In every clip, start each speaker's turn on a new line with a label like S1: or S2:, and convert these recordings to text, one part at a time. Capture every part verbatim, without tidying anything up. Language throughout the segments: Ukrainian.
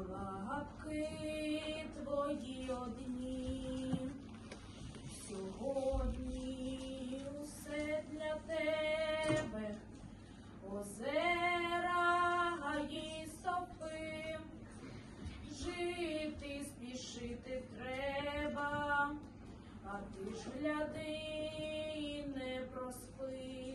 S1: лапки твої одні. Сьогодні усе для тебе, озера, гаї, стопи. Жити, спішити треба, а ти ж гляди і не проспи.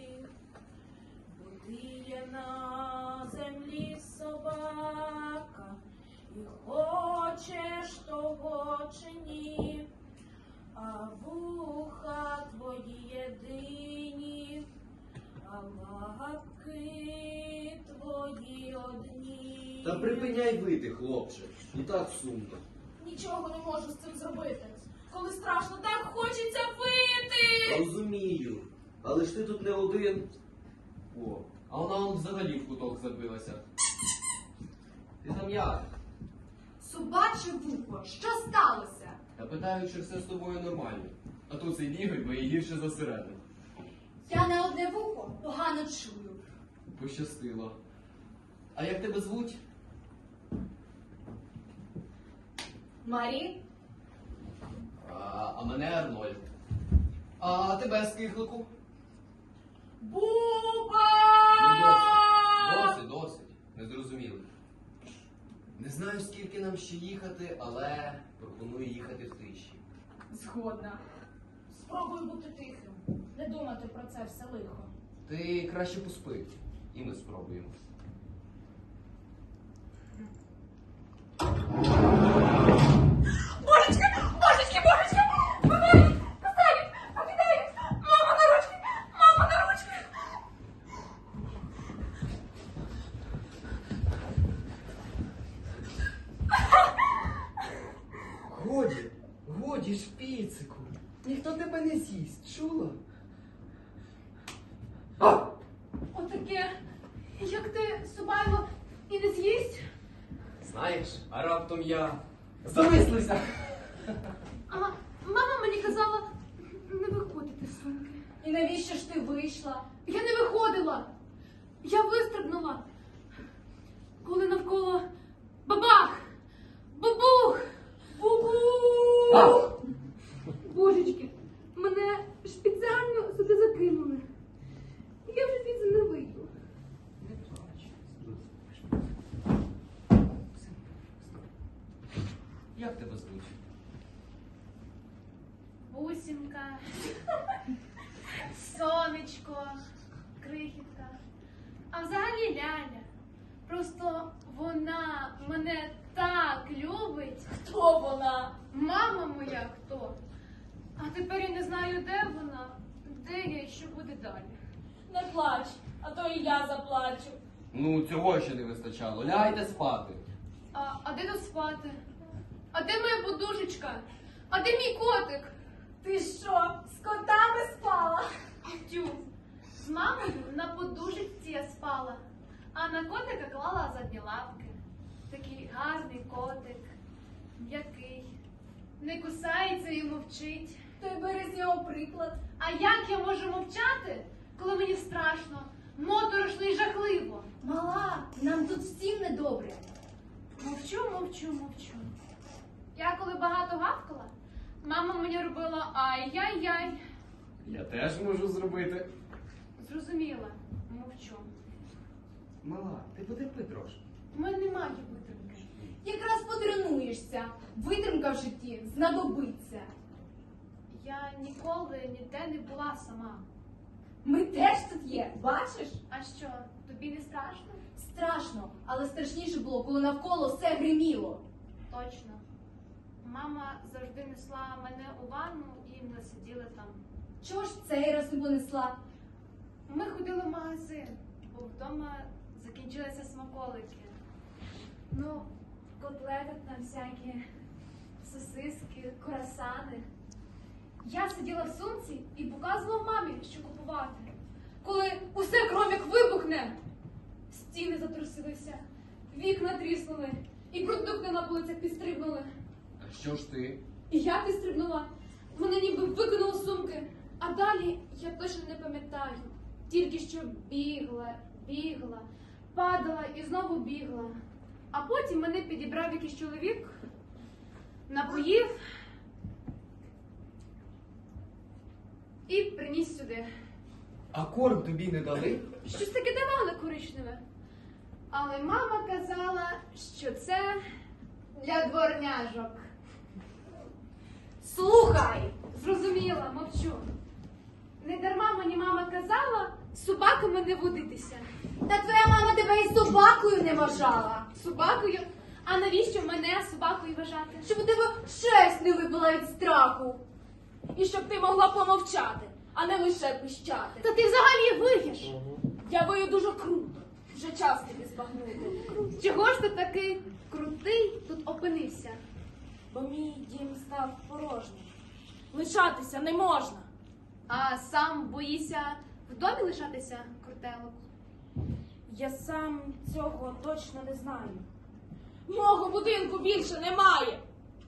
S1: Будиє на землі собака, і хочеш того чи ні, а вуха твої єдині, а лапки твої одні.
S2: Та припиняй вити, хлопче, і так сумно.
S1: Нічого не можу з цим зробити. Коли страшно, так хочеться вити.
S2: Розумію, але ж ти тут не один. О, а вона он взагалі в куток забилася. Ти там як?
S3: Собаче вухо, що сталося?
S2: Я питаю, чи все з тобою нормально. А то цей бігай, бо її гірше за середину.
S3: Я на одне вухо погано чую.
S2: Пощастило. А як тебе звуть?
S3: Марі?
S2: А, а мене Арнольд. А тебе скихлику?
S1: Буба!
S2: Ну, досить, досить, досить. Не зрозуміли. Не знаю, скільки нам ще їхати, але пропоную їхати в тиші.
S1: Згодна. Спробуй бути тихим. Не думати про це все лихо.
S2: Ти краще поспи, і ми спробуємо.
S1: Божечки! Божечки! Божечки! Покидають! Касають! Покидають! Мама на ручки! Мама на ручки!
S2: Годі, годі, шпіцику. Ніхто тебе не з'їсть, чула?
S3: Отаке, як ти Собайло і не з'їсть?
S2: Знаєш, а раптом я замислився.
S3: А мама мені казала не виходити з сумки. І навіщо ж ти вийшла? Я не виходила. Я вистрибнула. Коли навколо бабах! Бабух! Бубух! Божечки, мене спеціально сюди закинули. Я вже звідси не вийду.
S2: Не плач. Як тебе звуть?
S3: Бусінка, сонечко, крихітка. А взагалі Ляля. Просто вона мене так любить.
S1: Хто вона?
S3: Мама моя хто? А тепер я не знаю, де вона, де я і що буде далі.
S1: Не плач, а то і я заплачу.
S2: Ну, цього ще не вистачало. Лягайте спати.
S3: А, а де тут спати? А де моя подушечка? А де мій котик?
S1: Ти що, з котами спала?
S3: Тю, з мамою на подушечці я спала, а на котика клала задні лапки. Такий гарний котик, м'який, не кусається і мовчить.
S1: То й бери з нього приклад.
S3: А як я можу мовчати, коли мені страшно, моторошно і жахливо?
S1: Мала, нам тут всім недобре.
S3: Мовчу, мовчу, мовчу. Я коли багато гавкала, мама мені робила ай-яй-яй.
S2: Я теж можу зробити.
S3: Зрозуміла, мовчу.
S2: Мала, ти потерпи трошки.
S3: У мене немає витримки.
S1: Якраз потренуєшся. Витримка в житті знадобиться.
S3: Я ніколи ніде не була сама.
S1: Ми теж тут є, бачиш?
S3: А що, тобі не страшно?
S1: Страшно, але страшніше було, коли навколо все гриміло.
S3: Точно. Мама завжди несла мене у ванну і ми сиділи там.
S1: Чого ж цей раз не понесла?
S3: Ми ходили в магазин, бо вдома закінчилися смаколики. Ну, котлети там всякі, сосиски, круасани. Я сиділа в сумці і показувала мамі, що купувати. Коли усе кром як вибухне, стіни затрусилися, вікна тріснули, і продукти на полицях підстрибнули.
S2: А що ж ти?
S3: І я підстрибнула. Мене ніби викинуло з сумки. А далі я точно не пам'ятаю. Тільки що бігла, бігла, падала і знову бігла. А потім мене підібрав якийсь чоловік, напоїв і приніс сюди.
S2: А корм тобі не дали?
S3: Щось таке давали коричневе. Але мама казала, що це для дворняжок.
S1: Слухай!
S3: Зрозуміла, мовчу. Не дарма мені мама казала з собаками не водитися.
S1: Та твоя мама тебе і собакою не вважала.
S3: Собакою? А навіщо мене собакою вважати?
S1: Щоб у тебе шерсть не випала від страху. І щоб ти могла помовчати, а не лише пищати.
S3: Та ти взагалі вигіш.
S1: Я вию дуже круто. Вже час тобі збагнути.
S3: Чого ж ти такий крутий тут опинився?
S1: Бо мій дім став порожнім. Лишатися не можна.
S3: А сам боїся в домі лишатися, крутелок?
S1: Я сам цього точно не знаю. Мого будинку більше немає.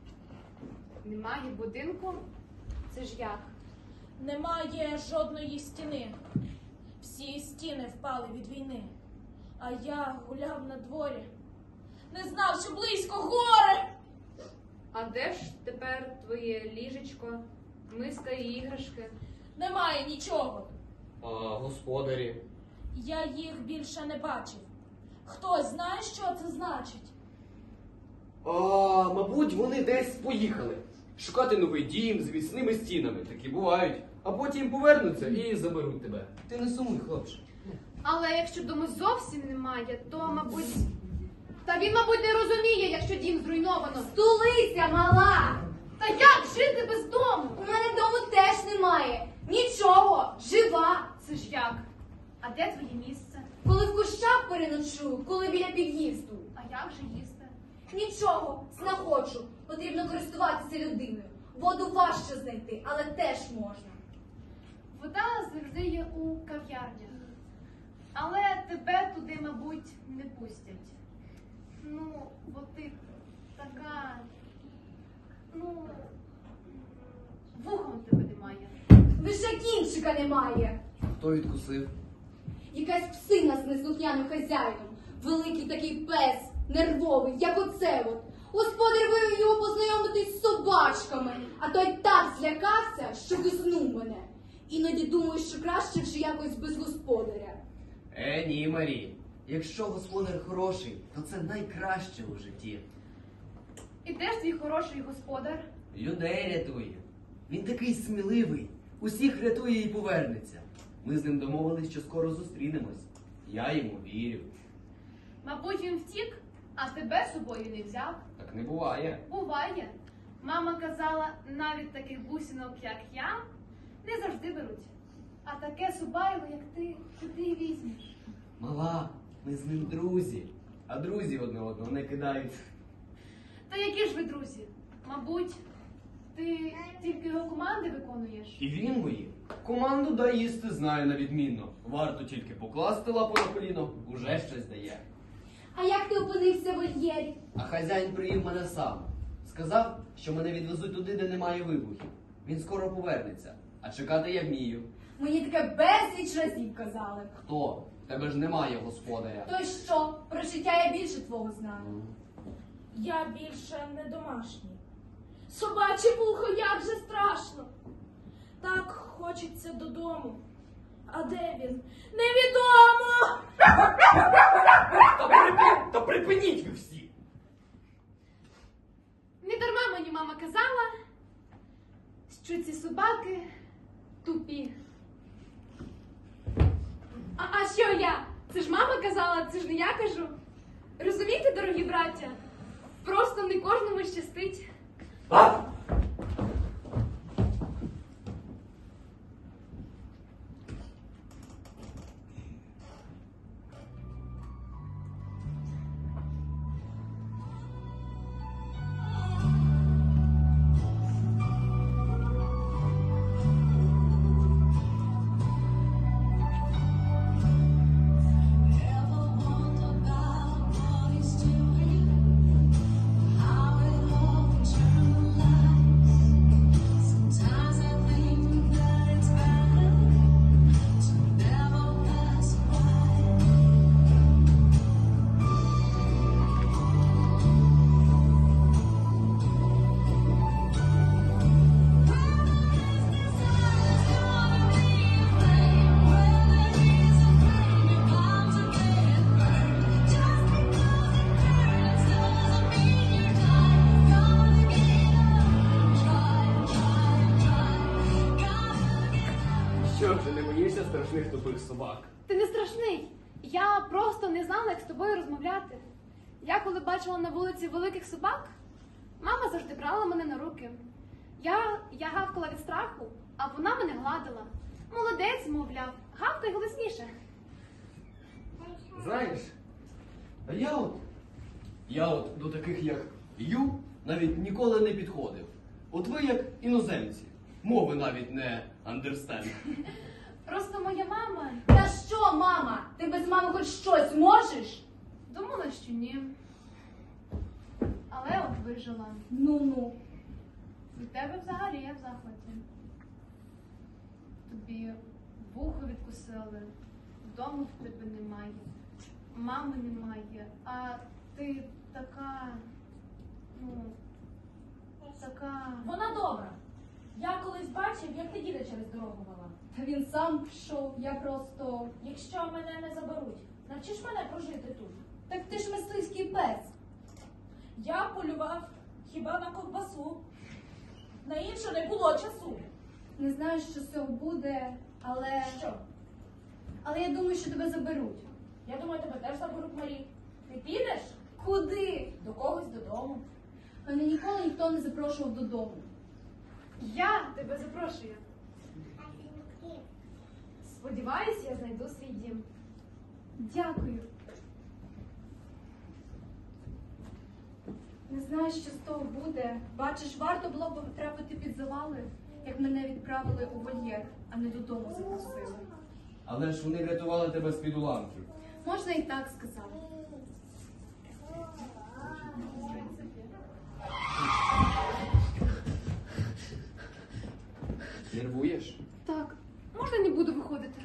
S3: Немає будинку? Це ж як?
S1: Немає жодної стіни. Всі стіни впали від війни. А я гуляв на дворі, не знав, що близько горе.
S3: А де ж тепер твоє ліжечко, миска і іграшки?
S1: Немає нічого.
S2: А господарі?
S1: Я їх більше не бачив. Хтось знає, що це значить?
S2: А, мабуть, вони десь поїхали. Шукати новий дім з міцними стінами. Такі бувають. А потім повернуться і заберуть тебе. Ти не сумуй, хлопче.
S3: Але якщо дому зовсім немає, то, мабуть... Та він, мабуть, не розуміє, якщо дім зруйновано.
S1: Стулися, мала!
S3: Та як жити без дому?
S1: У мене дому теж немає. Нічого, жива.
S3: Це ж як? А де твоє місце?
S1: Коли в кущах переночую, коли біля під'їзду.
S3: А як же їсти?
S1: Нічого, знаходжу. Потрібно користуватися людиною. Воду важче знайти, але теж можна.
S3: Вода завжди є у кав'ярнях. Але тебе туди, мабуть, не пустять. Ну, бо ти така... Ну... Вухом тебе немає.
S1: Лише кінчика немає.
S2: Хто відкусив?
S1: Якась псина з неслухняним хазяїном. Великий такий пес, нервовий, як оце от. Господар вивів його познайомитись з собачками, а той так злякався, що виснув мене. Іноді думаю, що краще вже якось без господаря.
S2: Е, ні, Марі. Якщо господар хороший, то це найкраще у житті.
S3: І де ж твій хороший господар?
S2: Людей рятує. Він такий сміливий. Усіх рятує і повернеться. Ми з ним домовились, що скоро зустрінемось. Я йому вірю.
S3: Мабуть, він втік, а тебе з собою не взяв.
S2: Так не буває.
S3: Буває. Мама казала, навіть таких бусинок, як я, не завжди беруть. А таке субайло, як ти, куди візьмеш?
S2: Мала, ми з ним друзі. А друзі одне одного не кидають.
S3: Та які ж ви друзі? Мабуть, ти тільки його команди виконуєш?
S2: І він мої. Команду дай їсти знає на відмінно. Варто тільки покласти лапу на коліно, уже щось дає.
S1: А як ти опинився в вольєрі?
S2: А хазяїн привів мене сам. Сказав, що мене відвезуть туди, де немає вибухів. Він скоро повернеться. А чекати я вмію.
S1: Мені таке безліч разів казали.
S2: Хто? В тебе ж немає господаря.
S1: То й що? Про життя я більше твого знаю.
S2: Ну.
S1: Я більше не домашній. Собаче вухо, як же страшно. Так хочеться додому. А де він? Невідомо!
S2: Та, припи... Та припиніть ви всі!
S3: Не дарма мені мама казала, що ці собаки тупі. А, а що я? Це ж мама казала, це ж не я кажу. Розумієте, дорогі браття? Просто не кожному щастить.
S2: А?
S4: Ever wonder about what is to be? How it all turned out.
S2: тих тупих собак.
S3: Ти не страшний. Я просто не знала, як з тобою розмовляти. Я коли бачила на вулиці великих собак, мама завжди брала мене на руки. Я, я гавкала від страху, а вона мене гладила. Молодець, мовляв, гавкай голосніше.
S2: Знаєш, а я от, я от до таких як Ю навіть ніколи не підходив. От ви як іноземці, мови навіть не understand.
S3: Просто моя мама
S1: Та що, мама? Ти без мами хоч щось можеш?
S3: думала, що ні. Але от вижила.
S1: Ну-ну.
S3: Від тебе взагалі я в захваті. Тобі вухо відкусили, дому в тебе немає, мами немає, а ти така, ну, така.
S5: Вона добра. Я колись бачив, як ти діда через дорогу вела.
S1: Та він сам пішов, я просто.
S5: Якщо мене не заберуть, навчиш мене прожити тут.
S1: Так ти ж мисливський пес.
S5: Я полював хіба на ковбасу. На інше не було часу.
S1: Не знаю, що з цього буде, але.
S5: Що?
S1: Але я думаю, що тебе заберуть.
S5: Я думаю, тебе теж заберуть, Марі. Ти підеш?
S1: Куди?
S5: До когось додому.
S1: Мене ніколи ніхто не запрошував додому.
S3: Я тебе запрошую. Сподіваюсь, я знайду свій дім.
S1: Дякую. Не знаю, що з того буде. Бачиш, варто було б потрапити під завали, як мене відправили у вольєр, а не додому запросили.
S2: Але ж вони врятували тебе з-під уламків.
S1: Можна і так сказати.
S3: В принципі.
S2: Нервуєш?
S3: Так, можна не буду виходити?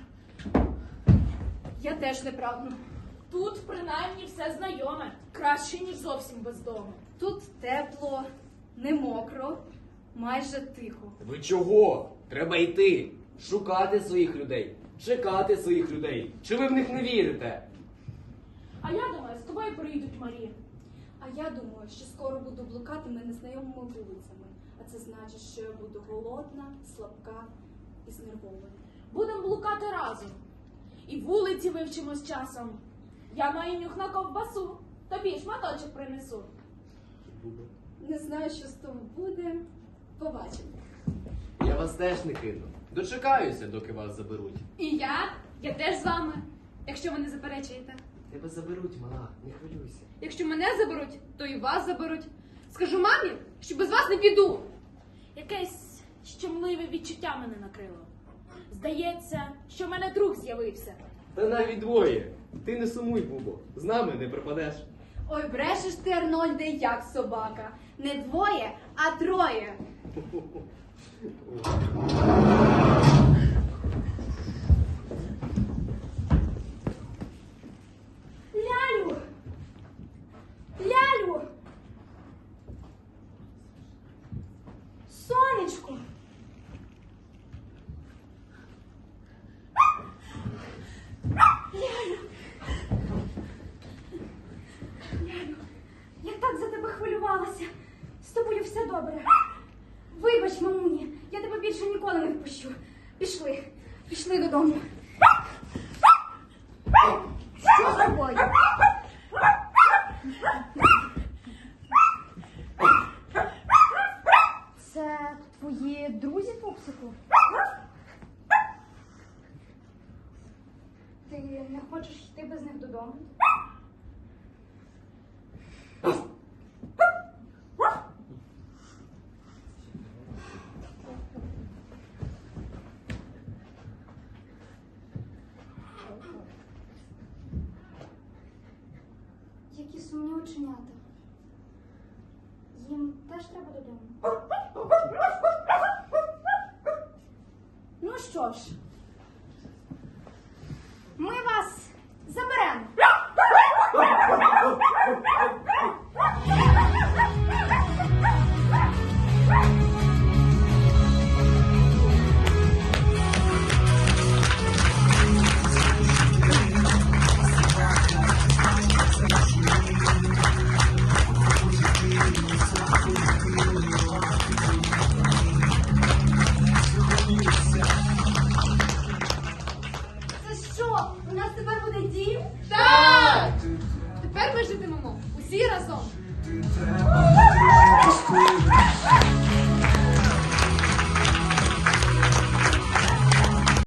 S1: Я теж не прагну.
S5: Тут принаймні все знайоме. Краще, ніж зовсім без дому.
S1: Тут тепло, не мокро, майже тихо.
S2: Ви чого? Треба йти, шукати своїх людей, чекати своїх людей. Чи ви в них не вірите?
S5: А я думаю, з тобою приїдуть Марі.
S1: А я думаю, що скоро буду блукатими незнайомими вулицями. А це значить, що я буду голодна, слабка і знервована.
S5: Будемо блукати разом. І вулиці вивчимо з часом. Я маю нюх на ковбасу. Тобі шматочок принесу.
S1: Не знаю, що з того буде. Побачимо.
S2: Я вас теж не кину. Дочекаюся, доки вас заберуть.
S3: І я? Я теж з вами, якщо ви не заперечуєте.
S2: Тебе заберуть, мала, не хвилюйся.
S3: Якщо мене заберуть, то і вас заберуть. Скажу мамі, що без вас не піду.
S5: Якесь щемливе відчуття мене накрило. Здається, що в мене друг з'явився.
S2: Та навіть двоє. Ти не сумуй, Бубо. З нами не пропадеш.
S1: Ой, брешеш ти, Арнольде, як собака. Не двоє, а троє.
S5: Лялю! Лялю! Сонечко!
S1: Лялю! Лялю, я так за тебе хвилювалася. З тобою все добре. Вибач, мамуні, я тебе більше ніколи не впущу. Пішли, пішли додому. Що з тобою? Це твої друзі, пупсику? Ти не хочеш йти без них додому? Які сумні оченята.